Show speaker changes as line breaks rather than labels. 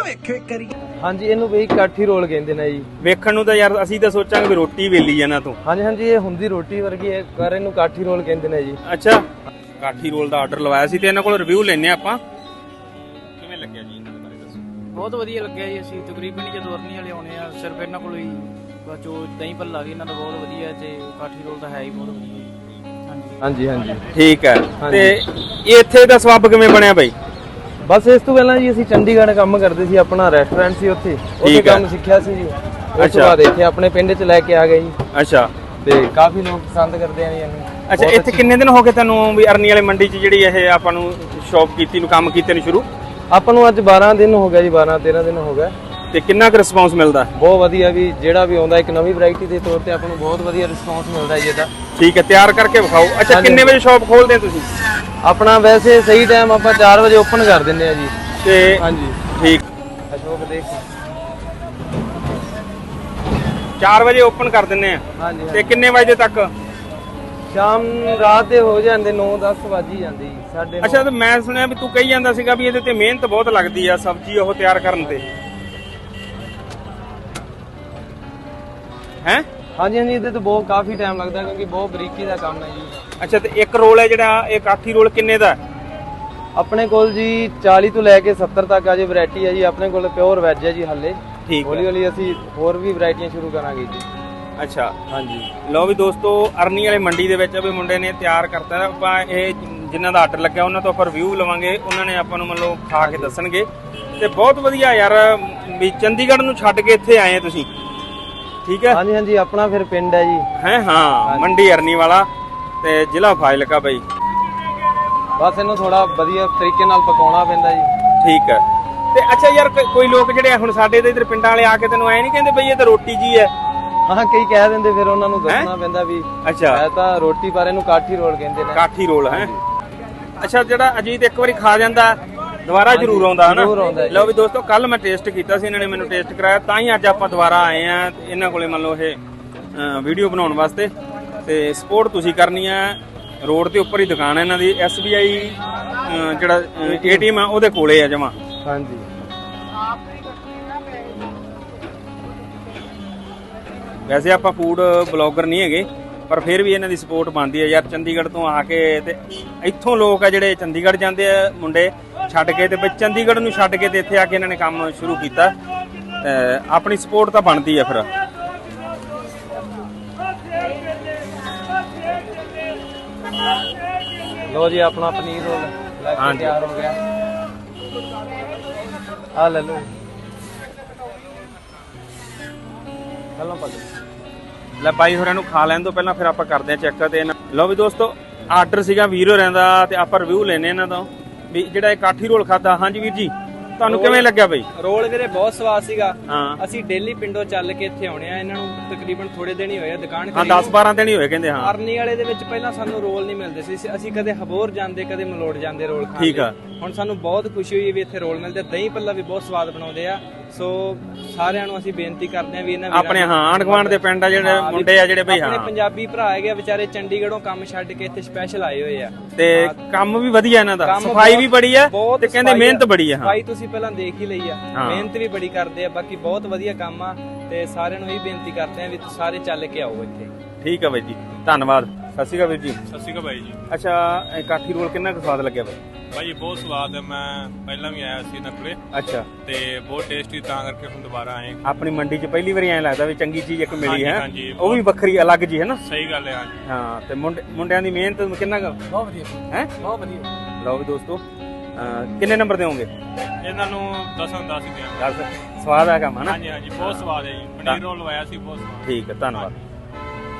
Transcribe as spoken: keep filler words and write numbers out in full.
ਵੇਖਿਓ ਇੱਕ ਵਾਰੀ।
ਹਾਂਜੀ ਇਹਨੂੰ ਬਈ ਕਾਠੀ ਰੋਲ ਕਹਿੰਦੇ ਨੇ ਜੀ।
ਵੇਖਣ ਨੂੰ ਤਾਂ ਯਾਰ ਅਸੀਂ ਤਾਂ ਸੋਚਾਂਗੇ ਵੀ ਰੋਟੀ ਵੇਲੀ ਇਹਨਾਂ ਤੋਂ।
ਹਾਂਜੀ ਹਾਂਜੀ ਇਹ ਹੁੰਦੀ ਰੋਟੀ ਵਰਗੀ ਹੈ ਪਰ ਇਹਨੂੰ ਕਾਠੀ ਰੋਲ ਕਹਿੰਦੇ ਨੇ ਜੀ।
ਅੱਛਾ ਕਾਠੀ ਰੋਲ ਦਾ ਆਰਡਰ ਲਵਾਇਆ ਸੀ ਤੇ ਇਹਨਾਂ ਕੋਲ ਰਿਵਿਊ ਲੈਣੇ ਆਪਾਂ। ਕਿਵੇਂ ਲੱਗਿਆ ਜੀ ਇਹਨਾਂ ਦੇ ਬਾਰੇ ਦੱਸੋ।
ਬਹੁਤ ਵਧੀਆ ਲੱਗਿਆ ਜੀ। ਅਸੀਂ ਤਕਰੀਬਨ ਜਦੋਂ ਅਰਨੀ ਵਾਲੇ ਆਉਣੇ ਆ ਸਿਰਫ ਇਹਨਾਂ ਕੋਲ ਹੀ ਜੋ ਦਹੀਂ ਭੱਲਾ ਵੀ ਇਹਨਾਂ ਦਾ ਬਹੁਤ ਵਧੀਆ ਤੇ ਕਾਠੀ ਰੋਲ ਤਾਂ ਹੈ ਹੀ ਬਹੁਤ ਵਧੀਆ।
ਹਾਂਜੀ ਹਾਂਜੀ
ਠੀਕ ਹੈ। ਤੇ ਇੱਥੇ ਦਾ ਸਵਾਬ ਕਿਵੇਂ ਬਣਿਆ ਬਾਈ?
ਬਸ ਇਸ ਤੋਂ ਪਹਿਲਾਂ ਜੀ ਅਸੀਂ ਚੰਡੀਗੜ੍ਹ ਕੰਮ ਕਰਦੇ ਸੀ, ਆਪਣਾ ਰੈਸਟੋਰੈਂਟ ਸੀ ਉੱਥੇ, ਉੱਥੇ ਕੰਮ ਸਿੱਖਿਆ ਸੀ ਜੀ। ਉਸ ਤੋਂ ਬਾਅਦ ਇੱਥੇ ਆਪਣੇ ਪਿੰਡ 'ਚ ਲੈ ਕੇ ਆ ਗਏ ਜੀ।
ਅੱਛਾ
ਤੇ ਕਾਫੀ ਲੋਕ ਪਸੰਦ ਕਰਦੇ ਆ ਜੀ ਇਹਨੂੰ।
ਅੱਛਾ ਇੱਥੇ ਕਿੰਨੇ ਦਿਨ ਹੋ ਗਏ ਤੈਨੂੰ ਵੀ ਅਰਨੀ ਵਾਲੇ ਮੰਡੀ 'ਚ ਜਿਹੜੀ ਇਹ ਆਪਾਂ ਨੂੰ ਸ਼ੌਪ ਕੀਤੀ ਨੂੰ ਕੰਮ ਕੀਤੇ ਨੂੰ ਸ਼ੁਰੂ?
ਆਪਾਂ ਨੂੰ ਅੱਜ ਬਾਰਾਂ ਦਿਨ ਹੋ ਗਿਆ ਜੀ, ਬਾਰਾਂ ਤੇਰਾਂ ਦਿਨ ਹੋ ਗਿਆ।
ਤੇ ਕਿੰਨਾ ਕੁ ਰਿਸਪੌਂਸ ਮਿਲਦਾ?
ਬਹੁਤ ਵਧੀਆ ਵੀ ਜਿਹੜਾ ਵੀ ਆਉਂਦਾ ਇੱਕ ਨਵੀਂ ਵੈਰਾਈਟੀ ਦੇ ਤੌਰ ਤੇ ਆਪਾਂ ਨੂੰ ਬਹੁਤ ਵਧੀਆ ਰਿਸਪੌਂਸ ਮਿਲਦਾ ਜੀ ਇਹਦਾ।
ਠੀਕ ਹੈ ਤਿਆਰ ਕਰਕੇ ਵਿਖਾਓ। ਅੱਛਾ ਕਿੰਨੇ ਵਜੇ ਸ਼ੌਪ ਖੋਲਦੇ ਆ ਤੁਸੀਂ?
ਆਪਣਾ ਵੈਸੇ ਸਹੀ ਟਾਈਮ ਆਪਾਂ ਚਾਰ ਵਜੇ ਓਪਨ ਕਰ ਦਿੰਦੇ ਆ ਜੀ।
ਤੇ
ਹਾਂਜੀ
ਠੀਕ
ਅਸ਼ੋਕ ਦੇਖ
ਚਾਰ ਵਜੇ ਓਪਨ ਕਰ ਦਿੰਨੇ ਆ।
ਹਾਂਜੀ
ਤੇ ਕਿੰਨੇ ਵਜੇ ਤੱਕ?
ਸ਼ਾਮ ਰਾਤ ਦੇ ਹੋ ਜਾਂਦੇ ਨੌ ਦਸ ਵੱਜ ਹੀ ਜਾਂਦੇ ਜੀ ਸਾਡੇ।
ਅੱਛਾ ਤੇ ਮੈਂ ਸੁਣਿਆ ਵੀ ਤੂੰ ਕਹੀ ਜਾਂਦਾ ਸੀਗਾ ਵੀ ਇਹਦੇ ਤੇ ਮਿਹਨਤ ਬਹੁਤ ਲੱਗਦੀ ਆ ਸਬਜ਼ੀ ਉਹ ਤਿਆਰ ਕਰਨ ਤੇ ਹੈ?
ਹਾਂਜੀ ਹਾਂਜੀ ਇਹਦੇ ਤੇ ਬਹੁਤ ਕਾਫੀ ਟਾਈਮ ਲੱਗਦਾ ਕਿਉਂਕਿ ਬਹੁਤ ਬਰੀਕੀ ਦਾ ਕੰਮ ਹੈ ਜੀ।
ਅੱਛਾ ਤੇ ਇੱਕ ਰੋਲ ਹੈ ਜਿਹੜਾ ਇਹ ਕਾਠੀ ਰੋਲ ਕਿੰਨੇ ਦਾ?
ਆਪਣੇ ਕੋਲ ਜੀ ਚਾਲੀ ਤੋਂ ਲੈ ਕੇ ਸੱਤਰ ਤੱਕ ਅਜੇ ਵੈਰਾਈਟੀ ਹੈ ਜੀ। ਆਪਣੇ ਕੋਲ ਪਿਓਰ ਵੈਜ ਹੈ ਜੀ ਹਾਲੇ।
ਠੀਕ
ਹੌਲੀ ਹੌਲੀ ਅਸੀਂ ਹੋਰ ਵੀ ਵੈਰਾਈਟੀਆਂ ਸ਼ੁਰੂ ਕਰਾਂਗੇ ਜੀ।
ਅੱਛਾ
ਹਾਂਜੀ
ਲਓ ਵੀ ਦੋਸਤੋ ਅਰਨੀ ਵਾਲੇ ਮੰਡੀ ਦੇ ਵਿੱਚ ਵੀ ਮੁੰਡੇ ਨੇ ਤਿਆਰ ਕਰਤਾ। ਆਪਾਂ ਇਹ ਜਿਨ੍ਹਾਂ ਦਾ ਆਰਡਰ ਲੱਗਿਆ ਉਹਨਾਂ ਤੋਂ ਆਪਾਂ ਰਿਵਿਊ ਲਵਾਂਗੇ। ਉਹਨਾਂ ਨੇ ਆਪਾਂ ਨੂੰ ਮਤਲਬ ਖਾ ਕੇ ਦੱਸਣਗੇ। ਤੇ ਬਹੁਤ ਵਧੀਆ ਯਾਰ ਵੀ ਚੰਡੀਗੜ੍ਹ ਨੂੰ ਛੱਡ ਕੇ ਇੱਥੇ ਆਏ ਤੁਸੀਂ। ਠੀਕ ਹੈ
ਹਾਂਜੀ ਹਾਂਜੀ ਆਪਣਾ ਫਿਰ ਪਿੰਡ ਹੈ ਜੀ।
ਹੈ ਹਾਂ ਮੰਡੀ ਅਰਨੀ ਵਾਲਾ ਤੇ ਜ਼ਿਲ੍ਹਾ ਫਾਜ਼ਿਲਕਾ ਬਾਈ।
ਬਸ ਇਹਨੂੰ ਥੋੜਾ ਵਧੀਆ ਤਰੀਕੇ ਨਾਲ ਪਕਾਉਣਾ ਪੈਂਦਾ ਜੀ।
ਠੀਕ ਹੈ। ਤੇ ਅੱਛਾ ਯਾਰ ਕੋਈ ਲੋਕ ਜਿਹੜੇ ਹੁਣ ਸਾਡੇ ਦੇ ਇਧਰ ਪਿੰਡਾਂ ਵਾਲੇ ਆ ਕੇ ਤੈਨੂੰ ਐ ਨਹੀਂ ਕਹਿੰਦੇ ਬਈ ਇਹ ਤਾਂ ਰੋਟੀ ਜੀ ਹੈ?
ਹਾਂ ਕਈ ਕਹਿ ਦਿੰਦੇ ਫਿਰ ਉਹਨਾਂ ਨੂੰ ਦੱਸਣਾ ਪੈਂਦਾ ਵੀ
ਅੱਛਾ
ਇਹ ਤਾਂ ਰੋਟੀ ਪਰ ਇਹਨੂੰ ਕਾਠੀ ਰੋਲ ਕਹਿੰਦੇ ਨੇ।
ਕਾਠੀ ਰੋਲ ਹੈ। ਅੱਛਾ ਜਿਹੜਾ ਅਜੀਤ ਇੱਕ ਵਾਰੀ ਖਾ ਜਾਂਦਾ ਦੁਬਾਰਾ ਜ਼ਰੂਰ ਆਉਂਦਾ ਹਨਾ। ਲਓ ਵੀ ਦੋਸਤੋ ਕੱਲ ਮੈਂ ਟੇਸਟ ਕੀਤਾ ਸੀ, ਇਹਨਾਂ ਨੇ ਮੈਨੂੰ ਟੇਸਟ ਕਰਾਇਆ ਤਾਂ ਹੀ ਅੱਜ ਆਪਾਂ ਦੁਬਾਰਾ ਆਏ ਆ ਇਹਨਾਂ ਕੋਲੇ ਮੰਨ ਲਓ ਇਹ ਵੀਡੀਓ ਬਣਾਉਣ ਵਾਸਤੇ। ਤੇ ਸਪੋਰਟ ਤੁਸੀਂ ਕਰਨੀ ਆ। ਰੋਡ ਦੇ ਉੱਪਰ ਹੀ ਦੁਕਾਨ ਹੈ ਇਹਨਾਂ ਦੀ। ਐਸ ਬੀ ਆਈ ਜਿਹੜਾ ਏ ਟੀ ਐਮ ਆ ਉਹਦੇ ਕੋਲੇ ਆ ਜਮਾ।
ਹਾਂਜੀ
ਵੈਸੇ ਆਪਾਂ ਫੂਡ ਬਲੌਗਰ ਨਹੀਂ ਹੈਗੇ ਪਰ ਫਿਰ ਵੀ ਇਹਨਾਂ ਦੀ ਸਪੋਰਟ ਬਣਦੀ ਹੈ ਯਾਰ। ਚੰਡੀਗੜ੍ਹ ਤੋਂ ਆ ਕੇ ਤੇ ਇੱਥੋਂ ਲੋਕ ਆ ਜਿਹੜੇ ਚੰਡੀਗੜ੍ਹ ਜਾਂਦੇ ਆ ਮੁੰਡੇ ਛੱਡ ਕੇ ਤੇ ਚੰਡੀਗੜ੍ਹ ਨੂੰ ਛੱਡ ਕੇ ਤੇ ਇੱਥੇ ਆ ਕੇ ਇਹਨਾਂ ਨੇ ਕੰਮ ਸ਼ੁਰੂ ਕੀਤਾ। ਆਪਣੀ ਸਪੋਰਟ ਤਾਂ ਬਣਦੀ ਆ ਫਿਰ।
ਲੋ ਜੀ ਆਪਣਾ ਪਨੀਰ ਰੋਲ ਲੈ ਕੇ ਤਿਆਰ ਹੋ ਗਿਆ। ਆ ਲੈ ਲੋ ਹਲੋ ਪਾ
ਲੈ ਬਾਈ ਹੋਰਾਂ ਨੂੰ ਖਾ ਲੈਣ ਤੋਂ ਪਹਿਲਾਂ ਫਿਰ ਆਪਾਂ ਕਰਦੇ ਆ ਚੈੱਕ। ਤੇ ਲਓ ਵੀ ਦੋਸਤੋ ਆਰਡਰ ਸੀਗਾ ਵੀਰ ਹੋਰਾਂ ਦਾ ਤੇ ਆਪਾਂ ਰਿਵਿਊ ਲੈਣੇ ਇਹਨਾਂ ਤੋਂ ਵੀ ਜਿਹੜਾ ਇਹ ਕਾਠੀ ਰੋਲ ਖਾਦਾ। ਹਾਂਜੀ ਵੀਰ ਜੀ ਤੁਹਾਨੂੰ ਕਿਵੇਂ ਲੱਗਿਆ ਬਈ?
ਰੋਲ ਵੀਰੇ ਬਹੁਤ ਸਵਾਦ ਸੀਗਾ।
ਹਾਂ
ਅਸੀਂ ਡੇਲੀ ਪਿੰਡੋਂ ਚੱਲ ਕੇ ਇੱਥੇ ਆਉਣੇ ਆ। ਇਹਨਾਂ ਨੂੰ ਤਕਰੀਬਨ ਥੋੜੇ ਦਿਨ ਹੀ ਹੋਏ ਆ ਦੁਕਾਨ
ਹਾਂ ਦਸ ਬਾਰਾਂ ਦਿਨ ਹੀ ਹੋਏ ਕਹਿੰਦੇ। ਹਾਂ
ਅਰਨੀ ਵਾਲੇ ਦੇ ਵਿੱਚ ਪਹਿਲਾਂ ਸਾਨੂੰ ਰੋਲ ਨਹੀਂ ਮਿਲਦੇ ਸੀ। ਅਸੀਂ ਕਦੇ ਹਬੋਰ ਜਾਂਦੇ ਕਦੇ ਮਲੋੜ ਜਾਂਦੇ ਰੋਲ ਖਾਣ।
ਠੀਕ ਆ।
ਹੁਣ ਸਾਨੂੰ ਬਹੁਤ ਖੁਸ਼ੀ ਹੋਈ ਵੀ ਇੱਥੇ ਰੋਲ ਮਿਲਦੇ। ਦਹੀਂ ਭੱਲਾ ਵੀ ਬਹੁਤ ਸਵਾਦ ਬਣਾਉਂਦੇ ਆ। ਸੋ ਸਾਰਿਆਂ ਨੂੰ ਅਸੀਂ ਬੇਨਤੀ ਕਰਦੇ ਆ ਵੀ ਇਹਨਾਂ
ਆਪਣੇ ਹਾਂ ਆਂਢ ਗੁਆਂਢ ਦੇ ਪਿੰਡ ਆ ਜਿਹੜੇ ਮੁੰਡੇ ਆ ਜਿਹੜੇ ਬਈ ਹਾਂ
ਆਪਣੇ ਪੰਜਾਬੀ ਭਰਾ ਹੈਗੇ ਵਿਚਾਰੇ ਚੰਡੀਗੜ੍ਹੋਂ ਕੰਮ ਛੱਡ ਕੇ ਇੱਥੇ ਸਪੈਸ਼ਲ ਆਏ ਹੋਏ ਆ।
ਤੇ ਕੰਮ ਵੀ ਵਧੀਆ ਇਹਨਾਂ ਦਾ। ਸਫਾਈ ਵੀ ਬੜੀ ਆ ਤੇ ਕਹਿੰਦੇ ਮਿਹਨਤ ਬੜੀ ਆ।
ਸਫਾਈ ਤੁਸੀਂ ਪਹਿਲਾਂ ਦੇਖ ਹੀ ਲਈ ਆ। ਮਿਹਨਤ ਵੀ ਬੜੀ ਕਰਦੇ ਆ। ਬਾਕੀ ਬਹੁਤ ਵਧੀਆ ਕੰਮ ਆ ਤੇ ਸਾਰਿਆਂ ਨੂੰ ਇਹ ਬੇਨਤੀ ਕਰਦੇ ਆ ਵੀ ਤੁਸੀਂ ਸਾਰੇ ਚੱਲ ਕੇ ਆਓ ਇੱਥੇ।
ਠੀਕ ਆ ਬਾਈ ਜੀ ਧੰਨਵਾਦ। ਸਤਿ ਸ਼੍ਰੀ ਅਕਾਲ ਵੀਰ ਜੀ।
ਸਤਿ ਸ਼੍ਰੀ ਅਕਾਲ ਬਾਈ ਜੀ।
ਅੱਛਾ ਇਹ ਕਾਠੀ ਰੋਲ ਕਿੰਨਾ ਕੁ ਸਵਾਦ ਲੱਗਿਆ ਬਾਈ?
ਭਾਈ ਬਹੁਤ ਸਵਾਦ ਹੈ। ਮੈਂ ਪਹਿਲਾਂ ਵੀ ਆਇਆ ਸੀ ਇਹਨਾਂ ਕੋਲੇ
ਅੱਛਾ
ਤੇ ਬਹੁਤ ਟੇਸਟੀ ਤਾਂ ਕਰਕੇ ਹੁਣ ਦੁਬਾਰਾ ਆਏ।
ਆਪਣੀ ਮੰਡੀ 'ਚ ਪਹਿਲੀ ਵਾਰੀ ਐਂ ਲੱਗਦਾ ਵੀ ਚੰਗੀ ਚੀਜ਼ ਇੱਕ ਮਿਲੀ ਹੈ।
ਹਾਂਜੀ
ਉਹ ਵੀ ਵੱਖਰੀ ਅਲੱਗ ਜੀ ਹੈ ਨਾ।
ਸਹੀ ਗੱਲ ਹੈ। ਹਾਂਜੀ
ਹਾਂ ਤੇ ਮੁੰਡੇ ਮੁੰਡਿਆਂ ਦੀ ਮਿਹਨਤ ਕਿੰਨਾ ਕੁ
ਬਹੁਤ ਵਧੀਆ
ਹੈ?
ਬਹੁਤ ਵਧੀਆ।
ਲਓ ਵੀ ਦੋਸਤੋ ਕਿੰਨੇ ਨੰਬਰ ਦੇਵੋਗੇ
ਇਹਨਾਂ ਨੂੰ ਦਸਾਂ ਦਸ ਹੀ ਦਿਆਂਗੇ।
ਦਸ। ਸਵਾਦ ਆ ਕੰਮ ਹੈ ਨਾ।
ਹਾਂਜੀ ਹਾਂਜੀ ਬਹੁਤ ਸਵਾਦ ਹੈ ਜੀ। ਪਨੀਰ ਰੋਲ ਲਵਾਇਆ ਸੀ ਬਹੁਤ ਸਵਾਦ।
ਠੀਕ ਹੈ ਧੰਨਵਾਦ।